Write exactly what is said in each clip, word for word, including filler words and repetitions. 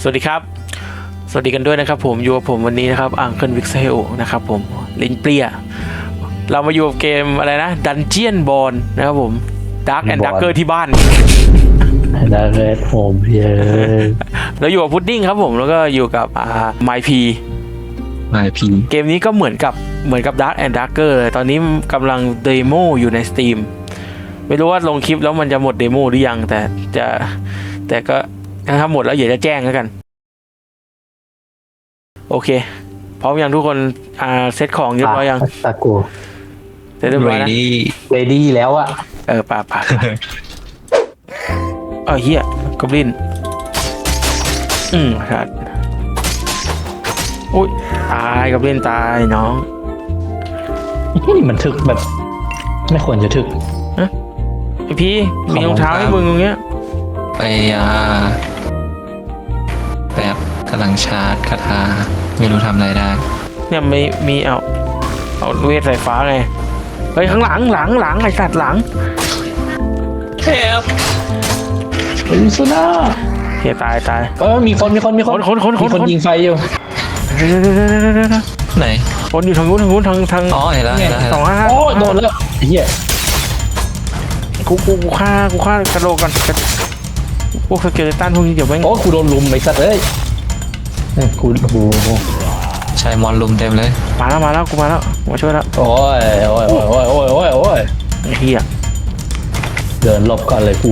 สวัสดีครับสวัสดีกันด้วยนะครับผมอยู่กับผมวันนี้นะครับอังเคิลวิกเซลนะครับผมลินเปรียเรามาอยู่กับเกมอะไรนะดันเจียนบอลนะครับผมดาร์กแอนด์ดักเกอร์ที่บ้านดาร์กแอนด์โฮมเยอะแล้วอยู่กับพุดดิ้งครับผมแล้วก็อยู่กับอ่าไมพีไมพีเกมนี้ก็เหมือนกับเหมือนกับดาร์กแอนด์ดักเกอร์ตอนนี้กำลังเดโมอยู่ใน Steam ไม่รู้ว่าลงคลิปแล้วมันจะหมดเดโมหรือยังแต่จะแต่ก็ถ้าหมดแล้วอย่าจะแจ้งแล้วกันโอเคพร้อมยังทุกคนอ่าเซตของเรียบร้อยยังตะกูเสร็จเรียบร้อยนะเรดี้แล้วอะเออป่าป่าเออเฮียกอบลินอืมครับอุ้ยตายกอบลินตายน้องนี่มันถึกแบบไม่ควรจะถึกฮะไอพี่มีรองเท้าให้มึงตรงเนี้ยไปอ่าแบบกำลังชาร์จคาถาไม่รู้ทำอะไรได้เนี่ยไม่มีเอาเอาเวทสายฟ้าไงเฮ้ยข้างหลังหลังหลังไอสัตว์หลังแคบเฮ้ยสุน่าเฮียตายตายเออมีคนมีคนมีคนคนคนคนคนยิงไฟอยู่ไหนคนอยู่ทางนู้นทางนู้นทางทางอ๋อเห็นแล้วสองห้าโอ้โดนแล้วเฮียกูกูกูฆ่ากูฆ่ากระโดดก่อนพวกสเกเลตันพวกนี้เดี๋ยวแม่งโอ้กูโดนลุมไอ้สัตว์เอ้ยกูโอ้โหใช้มอนลุมเต็มเลยมาแล้วมาแล้วกูมาแล้วมาช่วยแล้วโอ้ยโอ้ยโอ้ยโอ้ยโอ้ยโอ้ยโอ้ยเฮียเดินหลบก่อนเลยกู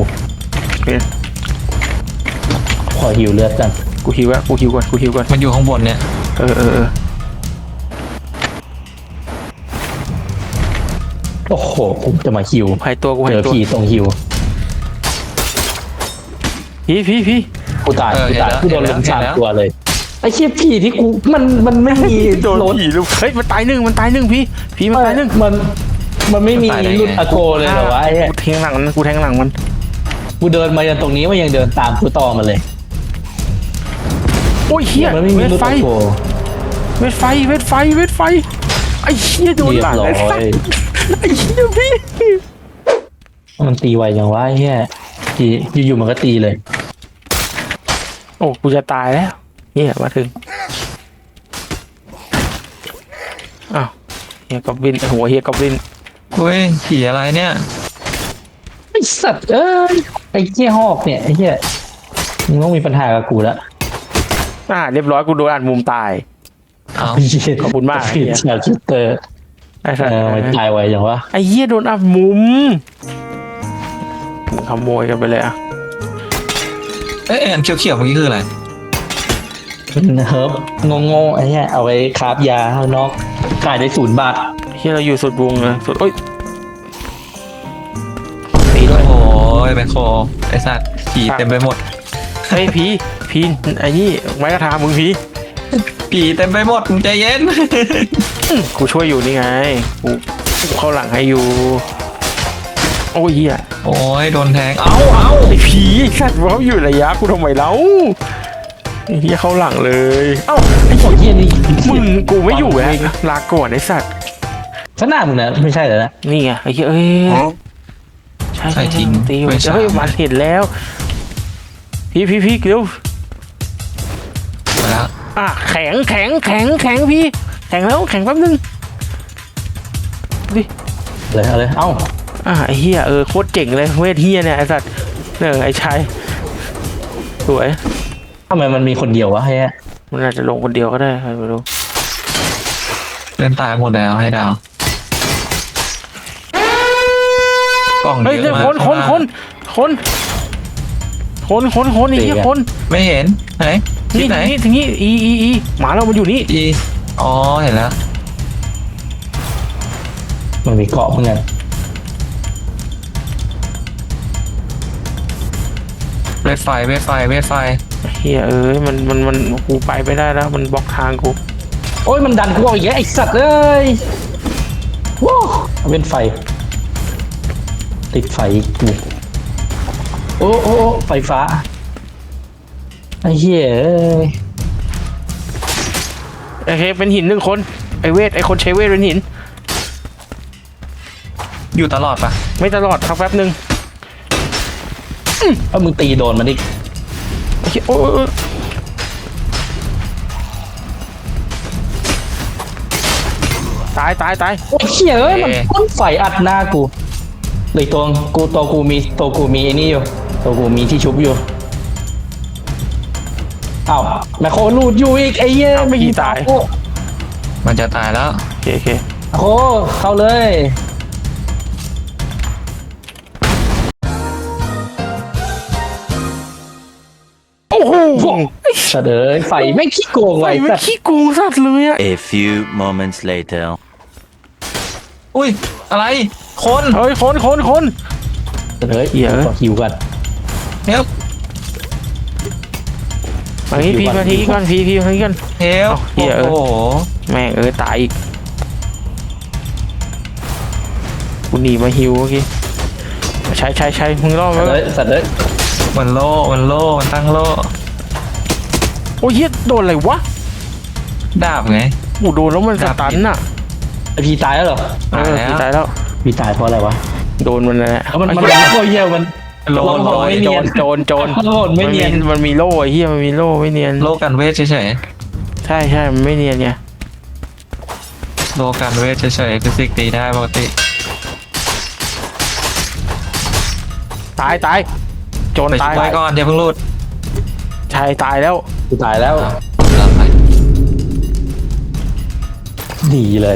ขอหิวเลือดกันกูหิวอะกูหิวก่อนกูหิวก่อนมันอยู่ข้างบนเนี่ยเออเออเออโอ้โหกูจะมาหิวหายตัวกูหายตัวเจอผีตรงหิวพี่พี่พี่กูตายกูตายกูโดนลุมสามตัวเลยไอ้เชี่ยผีที่กูมันมันไม่มีโดนผีลูกเฮ้ยมันตายหนึ่งมันตายหนึ่งพี่พี่มันตายหนึ่งมันมันไม่มีรุ่นอะโกเลยเหรอวะไอ้กูแทงหลังมันกูแทงหลังมันกูเดินมาจนตรงนี้มันยังเดินตามกูต่อมาเลยโอ้ยเฮียมันไม่มีรุ่นอะโกเวทไฟเวทไฟเวทไฟไอ้เฮียโดนหลังไอ้สัสไอ้เฮียพี่มันตีไวอย่างวะไอ้เฮียตีอยู่ๆมันก็ตีเลยโอ้กูจะตายแล้วเฮียมาถึงอ้าวเฮียกอบลินหัวเฮียกอบลินเฮ้ยผีอะไรเนี่ยไอสัตว์เอ้ยไอ้เหี้ยหอกเนี่ยไอ้เหี้ยมึงต้องมีปัญหากับกูละอ่าเรียบร้อยกูโดนอัดมุมตายอ้าวขอบคุณมากเฮียชิตเตอร์ไอ้สัตว์มันตายไวอย่างวะไอ้เหี้ยโดนอัดมุมขโมยกันไปเลยอ่ะเอ๊ะอันเขียวๆเมื่อกี้คืออะไรเฮิร์บงงๆไอ้เหี้ยเอาไว้คราฟยาข้างนอกขายได้ศูนย์บาทเฮียเราอยู่สุดวงเลยสุดโอ้ยตีด้วยโอ้ยแบคโคไอ้สัตว์ผีเต็มไปหมดเฮ้ยผีผีไอ้นี่ไม้กระทามึงผีผีเต็มไปหมดมึงใจเย็นกูช่วยอยู่นี่ไงกูเข้าหลังให้อยู่โอ้ยเฮียโอ้ยโดนแทงเอ้าเอ้าไอ้ผีสัตว์เขาอยู่ระยะกูทำไมเล่าไอ้เฮียเข้าหลังเลยเอ้าไอ้เฮียนี่มึงกูไม่อยู่แล้วลาก่อนไอ้สัตว์ขนาดมึงนะไม่ใช่เหรอนะนี่ไงไอ้เฮียเอ้ยใช่ใช่จริงตีเฮ้ยมันเห็นแล้วพี่พี่พี่เร็วมาแล้วอ่ะแข็งแข็งแข็งแข็งพี่แข็งแล้วแข็งแป๊บนึงดิเลยเอาเลยเอ้าอ่ะไอ้เฮียเออโคตรเจ๋งเลยเวทเฮียเนี่ยไอ้สัตว์เนี่ยไอ้ชายสวยทำไมมันมีคนเดียววะเฮียมันอาจจะลงคนเดียวก็ได้ใครไม่รู้เล่นตายหมดแล้วให้ดาวกล่องเยอะมากคนคนคนคนคนคนคนไอ้เหี้ยคนไม่เห็นไหนที่ไหนที่นี้อีอีอีหมาเรามันอยู่นี่อีอ๋อเห็นแล้วมันมีเกาะเหมือนกันเวทไฟเวทไฟเวทไฟเฮียเอ้ยมันมันมันกูไปไม่ได้แล้วมันบล็อกทางกูโอ้ยมันดันกูออกอย่างเงี้ยไอสัตว์เอ้ยว้าวเว้นไฟติดไฟกูโอ้โอ้ไฟฟ้าไอ้เหี้ยโอเคเป็นหินหนึ่งคนไอเวทไอคนใช้เวทเป็นหินอยู่ตลอดปะไม่ตลอดครับแป๊บนึงเอามึงตีโดนมันดิโอ้ยตายตายตายโอ้ยเหี้ยเอ้ยมันพ่นไฟอัดหน้ากูเลยตัวกูตัวกูมีตัวกูมีไอ้นี่อยู่ตัวกูมีที่ชุบอยู่อ้าวแมคโครลูดอยู่อีกไอ้เหี้ยไม่ยิงตายโอ้มันจะตายแล้วโอเคโอเคโหเข้าเลยโอ้โหสัตว์เอ้ยไฟไม่งขี้โกงไฟไว้ไม่สัตว์ขี้โกงสัตว์เลยอะ A few moments later. อุ้ยอะไรคนเฮ้ยคนคนคนสัตว์เอ้ยเหี้ยขอคิวกันเฮลมาที่พีมาที่ก่อนพีพีมาที่ก่อนเฮลเหี้ยเอ้ยโอ้โหแม่งเออตายอีกกูหนีมาฮิวเมื่อกี้ใช้ใช้ใช้มึงรอดไหมสัตว์เอ้ยสัตว์เอ้ยมันโล่มันโล่มันตั้งโล่โอ้ยเฮียโดนอะไรวะดาบไงกูโดนแล้วมันสตันน่ะไอพีตายแล้วเหรอเออตายแล้วพี่ตายแล้วพีตายเพราะอะไรวะโดนมันแหละมันมันโอ้ยเหี้ยมันโล่ลองโล่ไม่เนีโจยรโจรโจรโลดไม่เนียนมันมีโล่ไอ้เฮียมันมีโล่ไม่เนียนโล่กันเวทเฉยใช่ใช่มันไม่เนียนไงๆโล่กันเวทเฉยๆฟิสิกส์ตีได้ปกติตายตายโจรไปตายช่วยก่อนอย่าเพิ่งรูดชายตายแล้วกูตายแล้วตามไปหนีเลย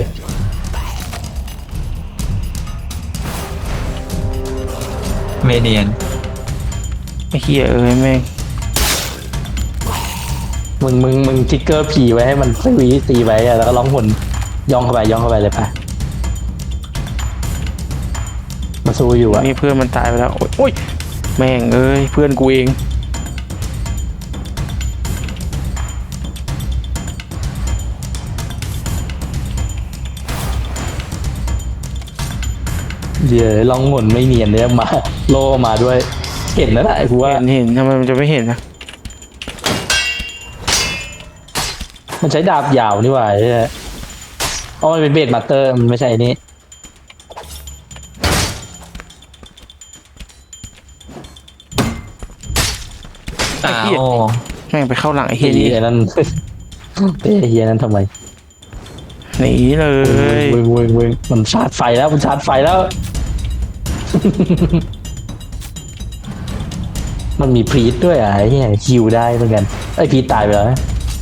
เมเนียนไอ้เฮียเอ้ยแม่งมึงมึงมึงทิกเกอร์ผีไว้ให้มันสวีตีไว้อะแล้วก็ร้องหนย่องเข้าไปย่องเข้าไปเลยปะมาสู้อยู่อะนี่เพื่อนมันตายไปแล้วโอ๊ยโอ้ยแม่งเอ้ยเพื่อนกูเองเดี๋ยวร้องหนไม่เนียนเนี่ยมาโลมาด้วย เห็นแล้วแหละกูว่าเห็นเห็นทำไมมันจะไม่เห็นนะมันใช้ดาบยาวนี่หว่าใช่ไหมอ๋อมันเป็นเบสมาสเตอร์มันไม่ใช่อันนี้อ้าวแม่งไปเข้าหลังไอ้เฮีเฮียนี่ยนั้น เต้เฮียนั้นทำไมหนีเลยเว้ยเว้ยเว้ยมันชาร์จไฟแล้วมันชาร์จไฟแล้ว มันมีพรีดด้วยอ่ะไอ้เฮียคิวได้เหมือนกันไอ้พรีดตายไปแล้วนะ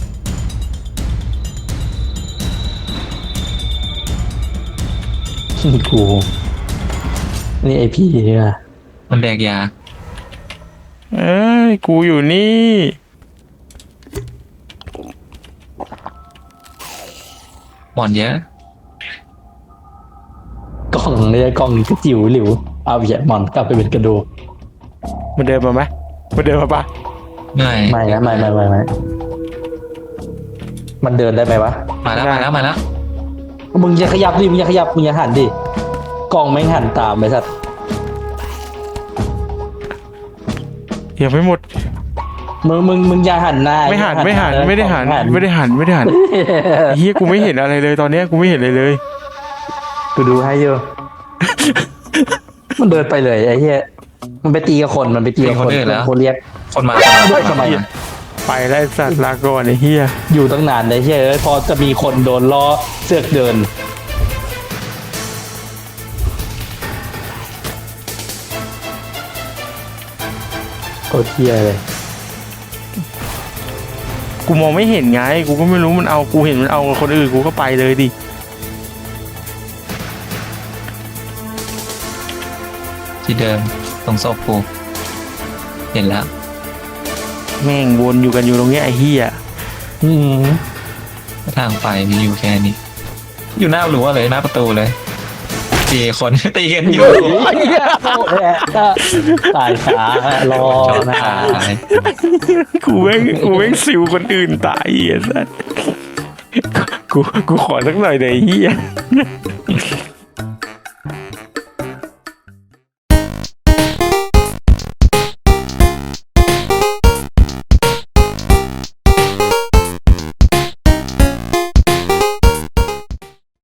กูนี่ไอพี่เนี่ยมันแดกยาเอ้ยกูอยู่นี่หมอนเยอะกล่องเนี่ยกล่องกระจิ๋วหลิวเอาเหยียดหมอนกลับไปเป็นกระดูกมันเดินมาไหมมันเดินมาปะเหนื่อยไม่นะไม่ไม่ไม่ไม่มันเดินได้ไหมวะมาแล้วมาแล้วมาแล้วมึงอย่าขยับดิมึงอย่าขยับมึงอย่าหันดิกล่องไม่งหันตามไปสัตว์ยังไม่หมดมึงมึงมึงอย่าหันหน้าไม่หันอย่าไม่หันเลยไม่ได้หันกล่องไม่ได้หันไม่ได้หันไอ้เฮียกูไม่เห็นอะไรเลยตอนเนี้ยกูไม่เห็นเลยเลยกูดูให้อยู่ มันเดินไปเลยไอ้เหี้ยมันไปตีกับคนมันไปตีกับคนคนเรียกคนมาเฮ้ยทำไมอะไปแล้วไอ้สัตว์ลาก่อนไอ้เฮียอยู่ตั้งนานไอ้เหี้ยเอ้ยพอจะมีคนโดนล้อเสือกเดินโคตรเหี้ยเลยกูมองไม่เห็นไงกูก็ไม่รู้มันเอากูเห็นมันเอาคนอื่นกูก็ไปเลยดิที่เดิมตรงศพกูเห็นแล้วแม่งวนอยู่กันอยู่ตรงเนี้ยไอ้เฮียอืมทางไปมีอยู่แค่นี้ อยู่หน้ารั้วเลยหน้าประตูเลยตีคน ตีกันอยู่ตายขารอชอบนะตายกูแม่งกูแม่งสิวคนอื่นตายไอ้สัตว์กูกูขอสักหน่อยเดี๋ยวไอ้เฮีย